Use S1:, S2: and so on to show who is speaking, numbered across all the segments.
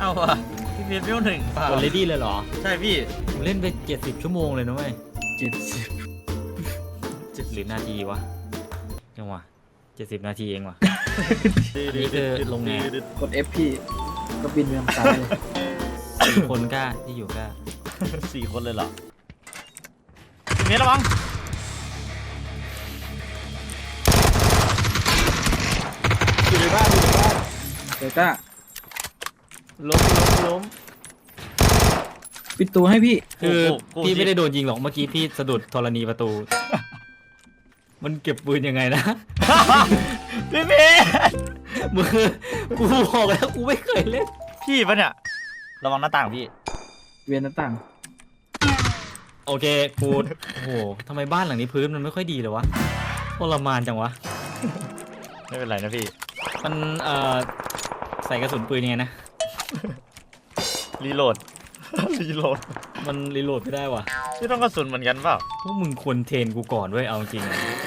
S1: เอาอะพี่เพียรเวล1เปล่าก
S2: ดเลดี้เลยเหรอ
S1: ใช่พี่
S2: ผมเล่นไป70 ชั่วโมงเลยนะเว้ย
S3: 70
S2: หรือนาทีวะยังวะ70 นาทีเองวะ อันนี้คือลงไง
S3: กด F พี่ก็บินไปทางซ้ายเลย
S2: 4 คนกล้าที่อยู่กล้า
S1: 4 คนเลยเหรอพี่เพียรระวัง
S3: อยู่ในบ้านเดี๋ยวก้า
S2: ล้ม
S3: ปิดตัวให้พี่
S2: คือพี่ไม่ได้โดนยิงหรอกเมื่อกี้พี่สะดุดธรณีประตู มันเก็บปืนยังไงนะ
S1: พี่เพียร
S2: มือกูบอกแล้วกูไม่เคยเล่น
S1: พี่ปะเนี่ยระวังหน้าต่างพี่
S3: เวียนหน้าต่าง
S2: โอเคกูโอ้โหทำไมบ้านหลังนี้พื้นมันไม่ค่อยดีเลยวะทรมานจังวะ
S1: ไม่เป็นไรนะพี่
S2: มันใส่กระสุนปืนยังไงนะ
S1: รีโหลด รีโหลด
S2: มันรีโหลดไม่ได้วะ
S1: พี่ต้องกระสุนเหมือนกันเปล่า
S2: พวกมึงควรเทรนกูก่อนเว้ยเอาจริง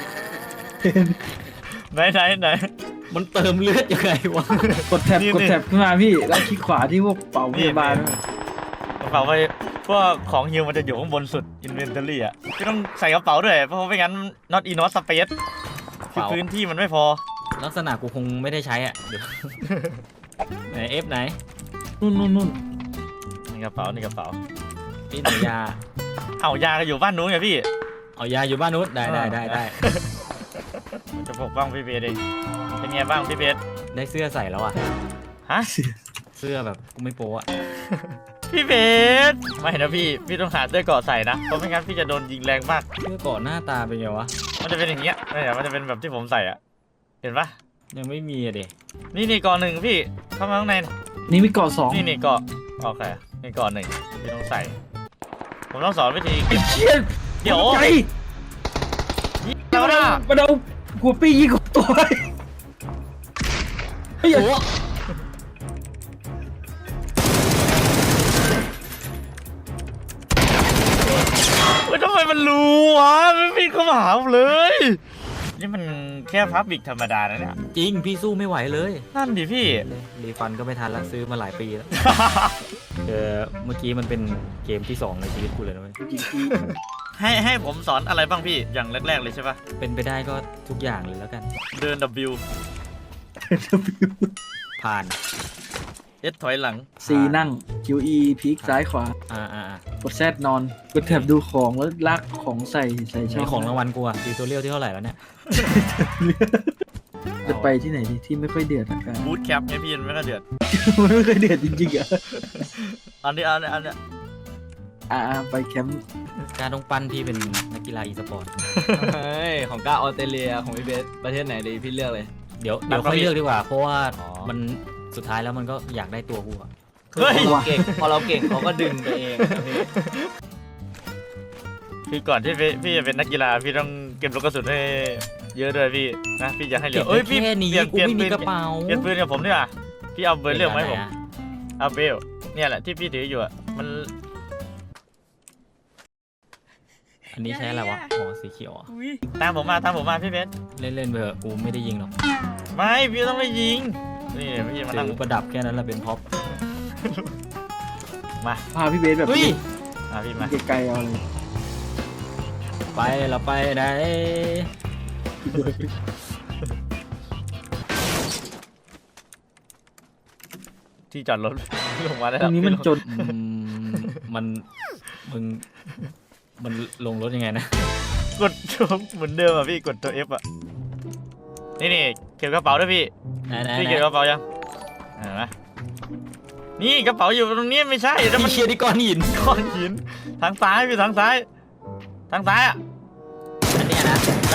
S1: ไหน
S2: มันเติมเลือดยังไงวะ
S3: กดแท็บ
S1: นี่
S3: กดแท็บขึ้นมาพี่แล้วคลิกขวาที่พวกเป่าพยาบาล
S1: กระเป๋าไปพวกของฮิวมันจะอยู่ข้างบนสุด inventory อ่ะพี่ต้องใส่กระเป๋าด้วยเพราะไม่งั้น not enough space คือพื้นที่มันไม่พอ
S2: ลักษณะกูคงไม่ได้ใช้อ่ะเดี๋ยว ไหนเอฟไหน
S3: นู่น
S1: นี่กระเป๋านี่กระเป๋า
S2: พี่หนูยา
S1: เอายาก็อยู่บ้านนู้นไงพี่
S2: เอายาอยู่บ้านนู้นได้
S1: จะปกป้องพี่เบสเองเป็นไงบ้างพี่เบส
S2: ได้เสื้อใส่แล้วอ่ะ
S1: ฮะ
S2: เสื้อแบบกูไม่โป๊ะ
S1: พี่เบสไม่นะพี่ต้องหาเสื้อเกราะใส่นะเพราะไม่งั้นพี่จะโดนยิงแรงมาก
S2: เสื้อก่อนหน้าตาเป็นไงวะ
S1: มันจะเป็นอย่างเงี้ยเนี่ยมันจะเป็นแบบที่ผมใส่อ่ะเห็นปะ
S2: ยังไม่มีอะเด็
S1: นี่เกราะหนึ่งพี่เข้ามาข้างใน
S3: นี่มีเกาะสอง
S1: นี่เกราะโอเคนี่เกราะหนึ่งพี่ต้องใส่ผมต้องสอนวิธีเก็บ
S3: เชี่ย
S1: เดี๋ยว
S3: ใจ
S1: แล้วนะ
S3: มาเอาหัวปียิงของตัวเฮ้ย
S2: โอ้
S1: เฮ้ยทำไมมันรู้วะไม่พี่เข้ามาหาผมเลยนี่มันแค่พับบิกธรรมดานะเนี่ย
S2: จริงพี่สู้ไม่ไหวเลย
S1: นั่นดิพี่
S2: รีฟันก็ไม่ทันแล้วซื้อมาหลายปีแล้ว เมื่อกี้มันเป็นเกมที่ 2 ในชีวิตกูเลยนะเว้ย
S3: จริงพี่
S1: ให้ผมสอนอะไรบ้างพี่อย่างแรกๆเลยใช่ปะ
S2: เป็นไปได้ก็ทุกอย่างเลยแล้วกัน
S1: เดิน W
S2: ผ่าน
S1: S ถอยหลัง
S3: ซีนั่ง QE พลิกซ้ายขวา
S2: อ่า
S3: กดแซดนอนกดแท็บดูของแล้วลากของใส่ช่
S2: มี
S3: อง
S2: ของรางวัลกูอะติวตัวเรียวที่เท่าไหร่แล้วเนี่ย
S3: จะไปที่ไหนดีที่ไม่ค่อยเดือดละกัน
S1: บูทแคปไงพี่มันไม่ค่อยเดือด
S3: มันไม่ค่อยเดือดจริงๆอ่ะ
S1: อันนี้
S3: ไปแคมป์
S2: การต้องปั้นพี่เป็นนักกีฬาอีสปอร์ต
S4: เฮ้ยของก้าออสเตรเลียของพี่เบสประเทศไหนดีพี่เลือกเลย
S2: เดี๋ยวค่อยเลือกดีกว่า เพราะว่ามันสุดท้ายแล้วมันก็อยากได้ตัวกูอะ
S1: เฮ้ย
S4: พอเราเก่งเขาก็ดึงไปเองนะพี่
S1: คือก่อนที่พี่จะเป็นนักกีฬาพี่ต้องเก็บลูกกระสุนให้เยอะด้วยพี่นะพี่จะให้เหลื
S2: เก็
S1: อบ เอ้ย
S2: ไว้
S1: พี่
S2: แค่นี้
S1: เปลี่ยน
S2: กูไม่มี
S1: ปืน
S2: กระเป๋า
S1: เปลี่ยนปืนกับผมดีกว่าพี่เอาเบอร์เรื่องไหมาให้ผม
S2: อะ
S1: เอาเบลเนี่ยแหละที่พี่ถืออยู่อะมัน
S2: อันนี้ใช้อะไรวะอ๋อสีเขียวอะ
S1: ตามผมมาพี่เบส
S2: เล่นไปเถอะกูไม่ได้ยิงหรอก
S1: ไม่พี่ต้องไม่ยิงนี่พี่มานั่ง
S2: ซื้อประดับแค่นั้นแหละเป็นพ็อป
S3: พาพี่เบสแบบ
S2: เฮ้ย
S1: พี่มา
S3: ไกลๆเอาเลย
S2: ไปเราไปไหน
S1: ที่จอดรถ ลงมาได้
S3: ต
S1: แล้
S3: ร
S1: ว
S3: งนี้มันจน
S2: มันมันลงรถยังไงนะ
S1: กดตัวเหมือนเดิมอะพี่กดตัว F อะนี่เก็บกระเป๋าด้วยพี่
S2: ไหน
S1: พี่เก็บกระเป๋ายังเห็นไหมนี่กระเป๋าอยู่ตรงนี้ไม่ใช่แต่มัน
S2: เชียร์ที่ก้อนหิน
S1: ก้อนหินทางซ้ายพี่ทางซ้ายอะ
S2: อันเนี้ยนะ
S1: ได้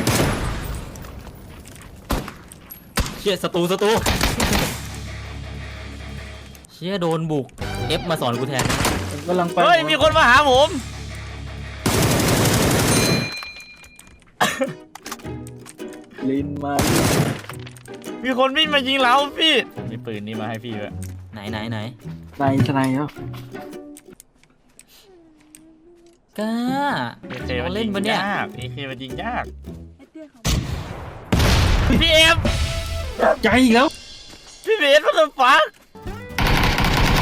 S2: เชียร์ศัตรูเชียร์โดนบุก F มาสอนกูแทน
S3: ผมกำลังไป
S1: เฮ้ยมีคนมาหาผม
S3: ลินมา
S1: มีคนวิ่งมายิงเราพี่มีปืนนี้มาให้พี่ด้วย
S2: ไหน
S3: ในทนายแล้ว
S2: กล้า
S1: เคมัน
S2: เล่
S1: ยิ
S2: น
S1: ง
S2: ปะเนี่ย
S1: ยากเคมันยิงยากพี่เอฟ
S3: ใจอีกแล้ว
S1: พี่เบสว่าจะฟัก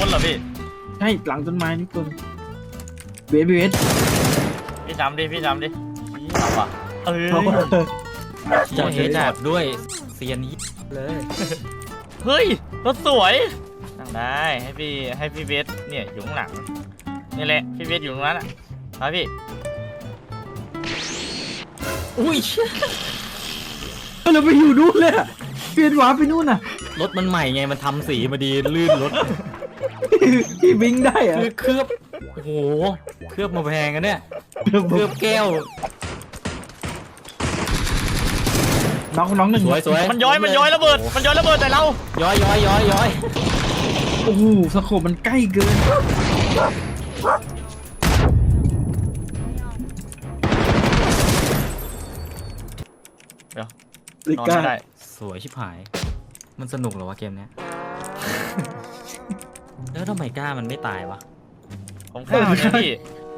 S1: คนเหรอพี่
S3: ใช่หลังต้นไม้นี่ตัวเวส
S1: พี่จำดิพี่จำดิเอาว่ะเอ้ย
S2: จะเฮดช็อตด้วยเซียนนี้เลย
S1: เฮ้ยรถสวยนั่งได้ให้พี่เบสเนี่ยอยู่ข้างหลังนี่แหละพี่เบสอยู่ตรงนั้นอ่ะมาพี่
S2: อุ้ย
S3: เราไปอยู่นู่นเลยอะเปลี่ยนหวาไปนู่นน่ะ
S2: รถมันใหม่ไงมันทำสีมาดีลื่นรถ
S3: พี่บิงได้อะ
S2: คือเคลือบโอ้โหเคลือบมาแพงกันเนี่ยเคลือบแก้ว
S3: น้องหนึ่ง
S2: สวย
S1: มันย้อยระเบิดมันย้อยระเบิดแต่เรา
S2: ย้อย
S3: โอ้โหสโคปมันใกล้เกิน
S1: เดี๋ยว
S3: ลิ
S1: นอน
S3: ก้า
S1: ไม่ได้
S2: สวยชิบหาย มันสนุกเหรอวะเกมเนี้ย แล้วทำไมกล้ามันไม่ตายวะ
S1: ผมข้าวเนี่ยพี่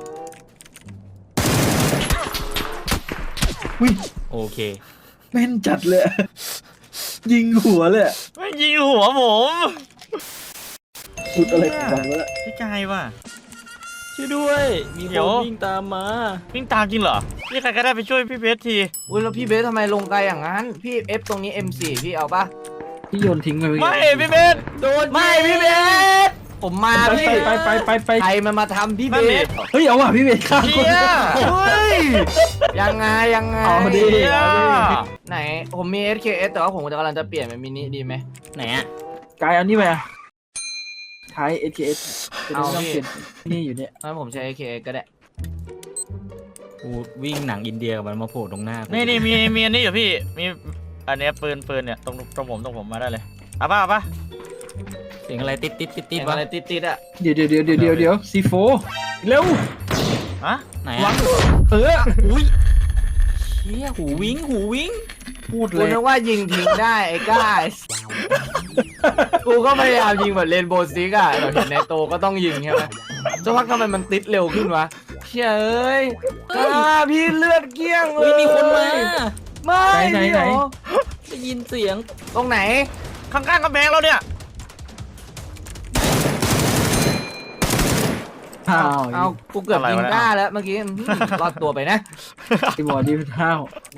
S3: อุ้ย
S2: โอเค
S3: แม่นจัดเลยอะยิงหัวเลยอะ
S1: ไม่ยิงหัวผม
S3: สุดอะไรของมันวะ
S1: พี่กายว่ะ
S2: ช่วยด้วย มี
S1: เดี๋
S2: ค
S1: ยว
S2: นวิ่งตามมา
S1: วิ่งตามจริงเหรอพี่ใครก็ได้ไปช่วยพี่เบสที
S4: อุ้ยแล้วพี่เบสทำไมลงไกลอย่างนั้น พี่ F ตรงนี้ M4 พี่เอาปะ
S3: ที่โยนทิ้งไป
S1: ไม่พี่เบส
S2: โดน
S4: ไม่พี่เบสผมมา
S3: ไป
S4: พี่
S3: ไป
S4: ใครมันมาทำพี่เบส
S3: เฮ้ยเอาว่ะพี่เบสข้าม
S1: เชี่ย
S4: เฮ้ยยังไง
S3: เอาดิ
S1: เชี่ย
S4: ไหนผมมี SKS แต่ว่าผมกำลังจะเปลี่ยนเป็นมินิดีไหม
S2: ไหนอะ
S3: กายเอานี่ไปอะท้าย SKS จะได้
S4: เอา
S3: ไม่ต้อง
S4: พี่
S3: เปลี่ยนนี่อยู่เนี่ย
S4: งั้นผมใช้ SKS ก็ได้
S2: กูวิ่งหนังอินเดียกับมันมาโผล่ตรงหน้ากู
S1: นี่มีอันนี้อยู่พี่มีอันเนี้ยปืนเนี่ยตรงผมมาได้เลยเอาป่ะ
S2: เสียงอะไรติด
S4: เห็น
S2: วะ
S4: อะไรติดๆอ่ะ
S3: เดี๋ยวซีโฟเร็ว
S1: ฮะ
S2: ไหน
S3: วั
S2: อะ
S3: งอุ้ย
S2: เชี่ยหูวิ่ง
S3: พูด
S4: กู
S3: เลย
S4: นึกว่ายิงทิ้งได้ไอ้ก้ากูก็พยายามยิงแบบเรนโบว์ซิกอะเราเห็นในโตก็ต้องยิงใช่ไหมจะพักทำไมมันติดเร็วขึ้นวะเชี่ยเอ้ยพี่เลือดเกลี้ยงเล
S2: เฮ้ย
S4: ย
S2: มีคนมา
S4: ไม่พี่เหรอ
S2: ได้ยินเสียง
S4: ตรงไหน
S1: ข้างๆกำแพงเราเนี่ย
S3: ห้าว
S4: เอากูเกือบยิงก้าแล้วเมื่อกี้รอดตัวไปนะ
S3: ไอ้บอดี้เป็นห้าว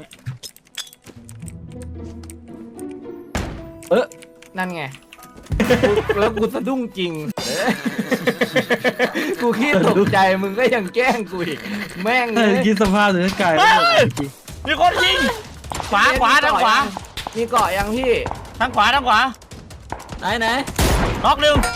S4: นั่นไงแล้วกูสะดุ้งจริงกูขี้ตกใจมึงก็ยังแกล้งกูอีกแม่งเลย
S3: คิดสภาพเลยกาย
S1: มีคนยิงขวาทางขวา
S4: มีเกาะยังพี่
S1: ทางขวา
S2: ไหน
S1: น็อกหนึ่ง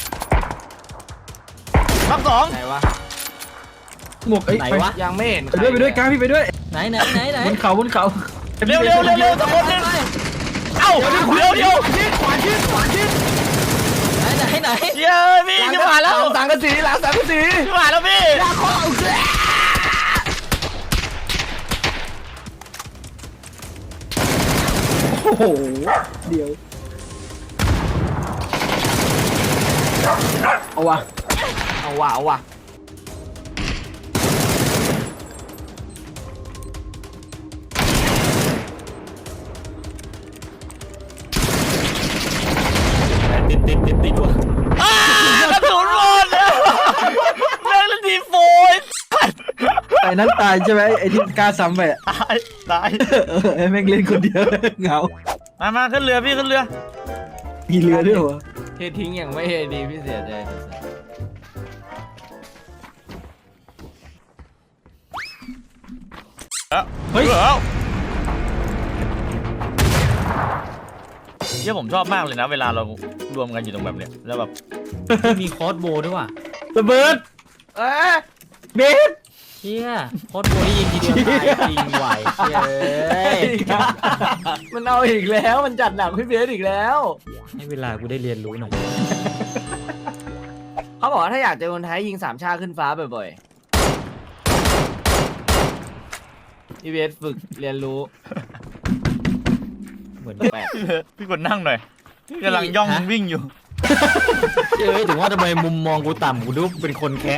S1: น็อกสอง
S4: ไหนวะ
S3: หมวกไอ้
S2: ไหน
S3: ไป
S2: วะ
S4: ยังไม่เห็น
S3: ไปด้วยกายพี่ไปด้วย
S2: ไหน
S3: บนเขา
S1: เร็วตะโกนหนึ่งเอ้าเดี๋ยว
S4: ขวาชิด
S2: ไหน
S1: เย้พี่ขึ้นมาแล้ว
S4: หลังสังกะสีหลังสังกะสี
S1: ขึ้นมาแล้วพี่
S4: ลากคอเอาเสีย
S3: โอ้โหเดี๋ยวเอาว่ะ
S4: เอาว่ะ
S2: ติดวะ
S1: กระสุนหมดแม่งเล่นทีโฟย
S3: ไอ้นั้นตายใช่ไหมไอ้ที่กล้าซ้ำไปอะ
S1: ตาย
S3: ไอ้แม่งเล่นคนเดียวเหงา
S1: มาขึ้นเรือพี่ขึ้นเรือ
S3: มีเรือด้วยวะ
S4: เททิ้งอย่างไม่เฮดีพี่เสียใจ
S3: เฮ้ย
S1: เชี่ยผมชอบมากเลยนะ เวลาเรารวมกันอยู่ตรงแบบเนี้ยแล้วแบบ
S2: มีคอร์สโบว์ด้วยว่ะ
S3: ระเบิด
S4: เอ๊ะ
S3: เบส
S2: เชี่ยคอร์สโบว์นี่ยิงทีเดียวตายจริงไหวเชี่ยเอ้ย
S4: มันเอาอีกแล้วมันจัดหนักพี่เบสอีกแล้ว
S2: ให้เวลากูได้เรียนรู้หน่อย
S4: เขาบอกว่าถ้าอยากเจอคนไทยยิงสามชาขึ้นฟ้าบ่อยๆพี่เบสฝึกเรียนรู้
S2: เหมือน
S4: แปลก
S1: พี่กดนั่งหน่อยพี่กำลังย่องวิ่งอยู่
S2: เอ้ยถึงว่าทำไมมุมมองกูต่ำกูดูเป็นคนแคะ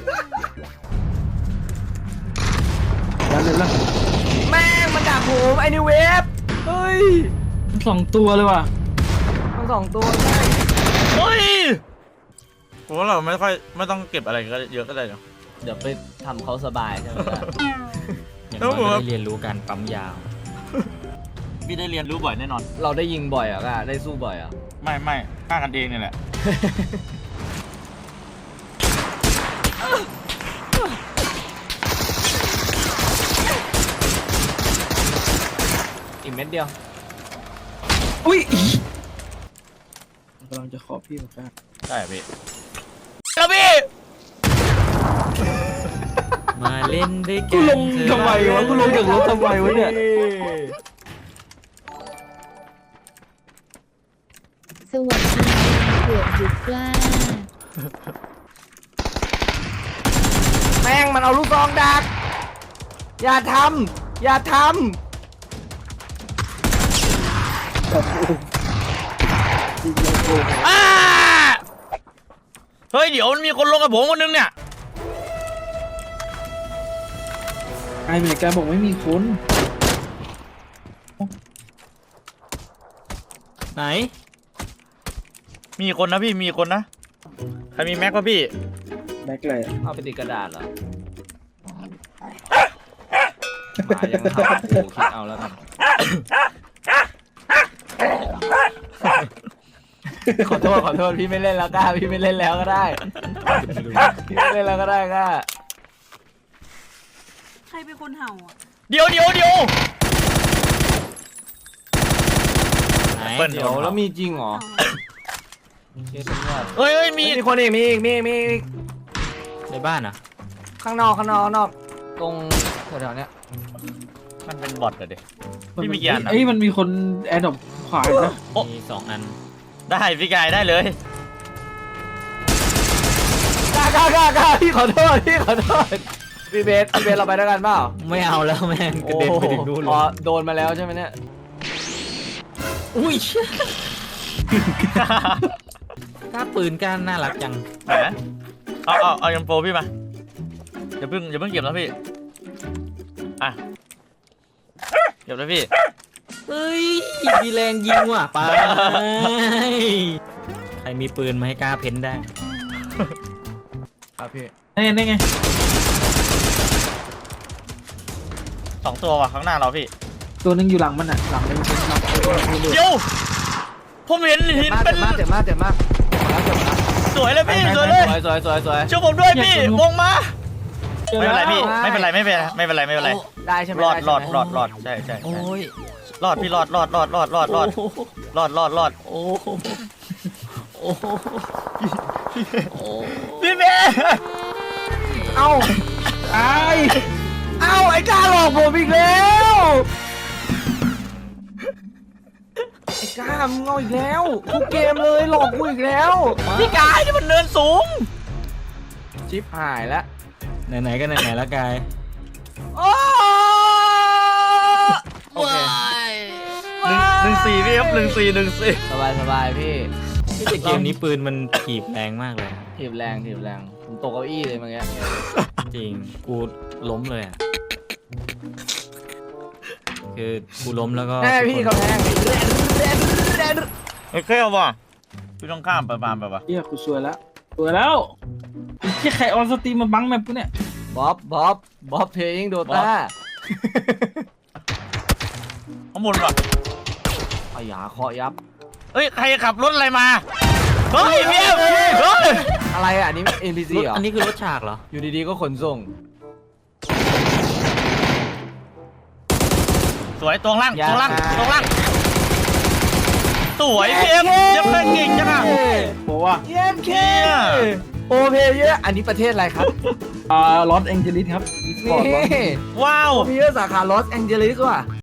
S3: แล้วเลยล่ะ
S4: แม่งมันดักผมไอ้นิวเวฟเฮ้ย
S3: 2 ตัวเลยว่ะ
S4: ทั้งสองตัวใช่
S1: เฮ้ยผมว่าเราไม่ต้องเก็บอะไรก็เยอะก็ได้เนาะ
S4: เดี๋ยวไปทำเขาสบายใช่ไหมล่ะ
S2: อย่างน้อยก็ได้เรียนรู้การปั๊มยาว
S1: พี่ได้เรียนรู้บ่อยแน่นอน
S4: เราได้ยิงบ่อยอ่ะก้าได้สู้บ่อยอ่ะ
S1: ไม่ฆ่ากันเองเนี่ยแหละ
S4: อีกเม็ดเดียว
S3: อุ้ยกำลังจะขอพี่เหมือนกัน
S1: ใช่พี่แล้วพี่
S2: มาเล่นด้วยกั
S3: กู
S2: น
S3: ลงทำไมวะกูลงจากรถทำไมวะเนี่ย
S5: สวัสดีเกือบหยุดกล้า
S4: แม่งมันเอาลูกซองดัก อย่าทำอย่าท
S1: อ้าเฮ้ยเดี๋ยวมันมีคนลงกับผมคนนึงเนี่ย
S3: ไอเมริกาบอกไม่มีคน
S2: ไหน
S1: มีคนนะพี่มีคนนะใครมีแม็กป่ะพี่
S3: แม็กเลย
S4: ำเอาไปติดกระดาษเหรอมายังหากูคิดเอาแล้วกันขอโทษพี่ไม่เล่นแล้วก้าพี่ไม่เล่นแล้วก็ได้พี่ไม่เล่นแล้วก็ได้ก้า
S6: ใครเป็นคนเห่าอ่ะ
S1: เดี๋ยว
S2: ไหน
S1: เปิ้ล
S4: เดี๋ยวแล้วมีจริงเหรอเชี่ยเงียบ
S1: เฮ้ยมี
S4: มีคนอีกมีอีก
S2: ในบ้านอ่ะ
S4: ข้างนอกตรงแถวๆเนี้ย
S1: มันเป็นบอทเหรอเด็ก พี่มีกี่อันอะ
S3: เอ้ยมันมีคนแอดดอปขวาอีกนะ
S2: มี 2 อัน
S1: ได้พี่กายได้เลย
S4: ก้าพี่ขอโทษพี่เบสเราไปด้วยกันเปล่า
S2: ไม่เอาแล้วแม่งกระเด็นไปถึงนู่นเล
S4: อ๋อย โดนมาแล้วใช่ไหมเนี่ย
S2: อุ้ยกล้าปืนกล้าน่ารักจัง
S1: ไหนเอายังโปรพี่มาอย่าเพิ่งเก็บนะพี่อ่ะเก็บนะพี่
S2: เฮ้ยมีแรงยิงว่ะไปใครมีปืนมาให้กล้าเพ้นได้
S4: ครับพี่
S3: นี่ไง
S1: 2 ตัวว่ะข้างหน้าเราพี่
S3: ตัวหนึงอยู่หลังมันอ่ะหลังมันเป็นหลัง
S1: เดี๋ยวผมเห็นหินเป็น
S4: เจ็บมากแล้ว
S1: สวยเลยพี่สวยเลย
S4: สวย
S1: ช่วยผมด้วยพี่วงมาไม่เป็นไรพี่ไม่เป็นไร
S4: ได้ใช่ไหม
S1: รอดใช่
S2: โอ้ย
S1: รอดพี่รอด
S2: โอ้โห
S1: รอด
S2: โอ้โหโอ้โหโอ้โห
S1: พี่เมย์
S4: เอ้า
S3: ไอ้
S4: ไอ้กล้าหลอกผมอีกแล้วไอ้กล้ามึงเอาอีกแล้วทุกเกมเลยหลอกกูอีกแล้ว
S1: พี่กายนี่มันเนินสูง
S4: ชิปหายแล้ว
S2: ไหนๆก็ไหนๆแล้วกาย
S4: โอ้โอเค
S1: 1-4พี่ครับ1-4
S4: สบายพี่
S2: แต่เกมนี้ปืนมันถีบแรงมากเลย
S4: ถีบแรงผมตกเก้าอี้เลยเมื่อกี้
S2: จริง กูล้มเลยอ่ะ คือกูล้มแล้วก็
S4: แม่พี่เขาแทง
S1: โอเคเอาป่ะพี่ต้องข้ามไปบานไปป่ะ
S3: เฮียกูสวยแล้วไอ้เหี้ยใครออนสตรีมมาบังแมปกูเนี่ย
S4: บ๊อบเพลยิงโดต้า
S1: ข้างบนป่ะ
S4: เอาหยาเคาะยับ
S1: เอ้ยใครขับรถอะไรมาเฮ้ยเมียเฮ้ย
S4: อะไรอ่ะอันนี้ NPC เหรอ
S2: อันนี้คือรถฉากเหรอ
S4: อยู่ดีๆก็ขนส่ง
S1: สวยตรงล่าง
S4: อย่า
S1: สวยพี่เอ็มยังเล่นเก่งจังอ่ะ
S3: บอกว่า
S4: เยี่ยมเคโอเพเยอร์อันนี้ประเทศอะไรครับ
S3: ลอสแองเจลิสครับอีสปอร์ต
S4: นี่
S1: ว้าว
S4: โอเพเยอร์สาขาลอสแองเจลิสว่ะ